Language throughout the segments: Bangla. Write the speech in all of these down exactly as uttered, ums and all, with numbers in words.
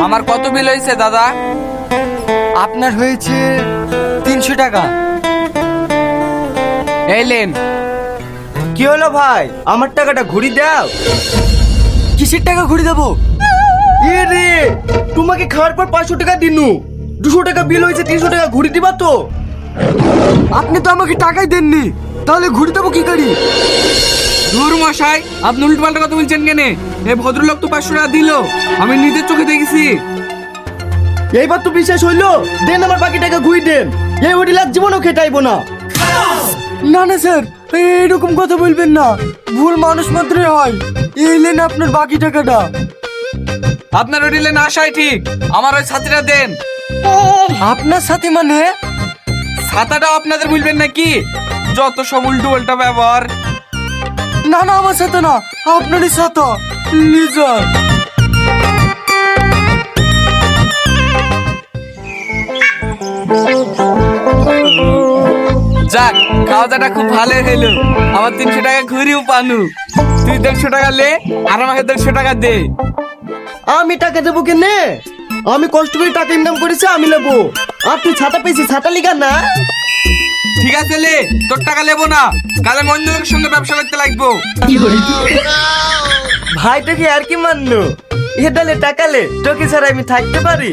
আমার কত বিল হয়েছে দাদা? আপনার হয়েছে তিনশো টাকা। এই লেন। কি হলো ভাই, আমার টাকাটা ঘুরি দাও। কিসের টাকা ঘুরে দেবো? এ রে, তোমাকে খাওয়ার পর পাঁচশো টাকা দিনু, দুশো টাকা বিল হয়েছে, তিনশো টাকা ঘুরি দিবা তো? আপনি তো আমাকে টাকাই দেননি, তাহলে ঘুরে দেবো কি করি? ধুর মশাই, আপনি উল্টো পাল্টা কথা বলছেন কেন? এই ভদ্রলোক তো পাঁচশো টাকা দিল, আমি নিজের চোখে দেখেছি। এইবার তো বিশ্বাস হইলো, দেন আমার বাকি টাকা ঘুরি দেন। এই হোটেল আর জীবনও খেটাইবো না। না না স্যার, এরকম কথা বলবেন না, ভুল মানুষ মাত্রই হয়। এই নেন আপনার বাকি টাকাটা। আপনার হোটেলে না আসাই ঠিক, আমার ওই ছাত্রীরা দেন। আপনার সাথে মানে? ছাতাটাও আপনাদের বলবেন নাকি? যত সব উল্টো উল্টা ব্যবহার। না না, আমার সাথে না, আপনারই সাথে লিজার। যাক, খাওয়া দাওয়াটা খুব ভালো হলো। আমার তিনশো টাকা ঘুরিও পানু। তুই দেড়শো টাকা লে, আর আমাকে দেড়শো টাকা দে। আমি টাকা দেবো কেনে? আমি কষ্ট করে টাকা ইনকাম করেছি, আমি নেবো। আর তুই ছাতা পেয়েছি, ছাতা লিগা না? ঠিক আছে লে, তোর টাকা নেবো না, কালে অন্য লোকের সঙ্গে ব্যবসা করতে লাগবো। ভাইটাকে আর কি মানলো? এদালে টাকা লে, তোকে ছাড়া আমি থাকতে পারি?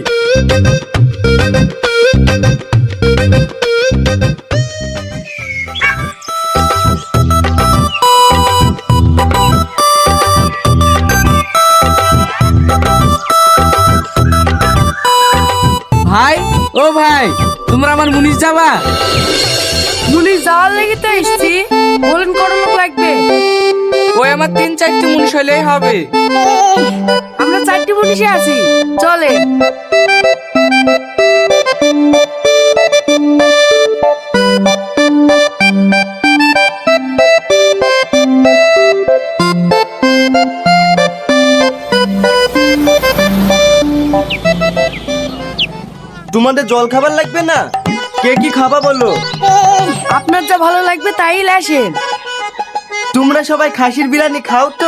ভাই, ও ভাই, তোমরা আমার মুনিশ যাবা? মুনিশ যাওয়ার লেগে তো এসছি। বলেন কত লোক লাগবে? ওই আমার তিন চারটি মুনিশ হলেই হবে। আমরা চারটি মুনিশে আছি, চলে। তোমাদের জল খাবার লাগবে না? কে কি খাবা বলো? আপনার যা ভালো লাগবে তাই আসেন। তোমরা সবাই খাসির বিরিয়ানি খাও তো?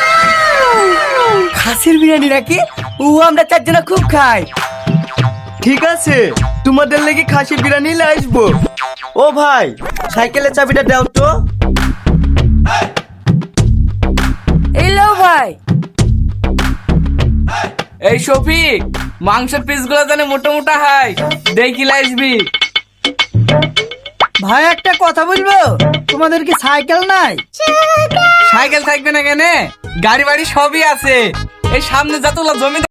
খাসির বিরিয়ানি নাকি? ও আমরা চারজনা খুব খাই। ঠিক আছে, তোমাদের লেগে খাসির বিরিয়ানি নিয়ে আসবো। ও ভাই, সাইকেলের চাবিটা দাও তো। এই লো ভাই। এই শফিক, মাংসের পিস গুলো জানে মোটা মোটা হয়, দেখি আসবি। ভাই একটা কথা বলবো, তোমাদের কি সাইকেল নাই? সাইকেল থাকবে না কেন? গাড়ি বাড়ি সবই আছে। এই সামনে যতগুলো জমি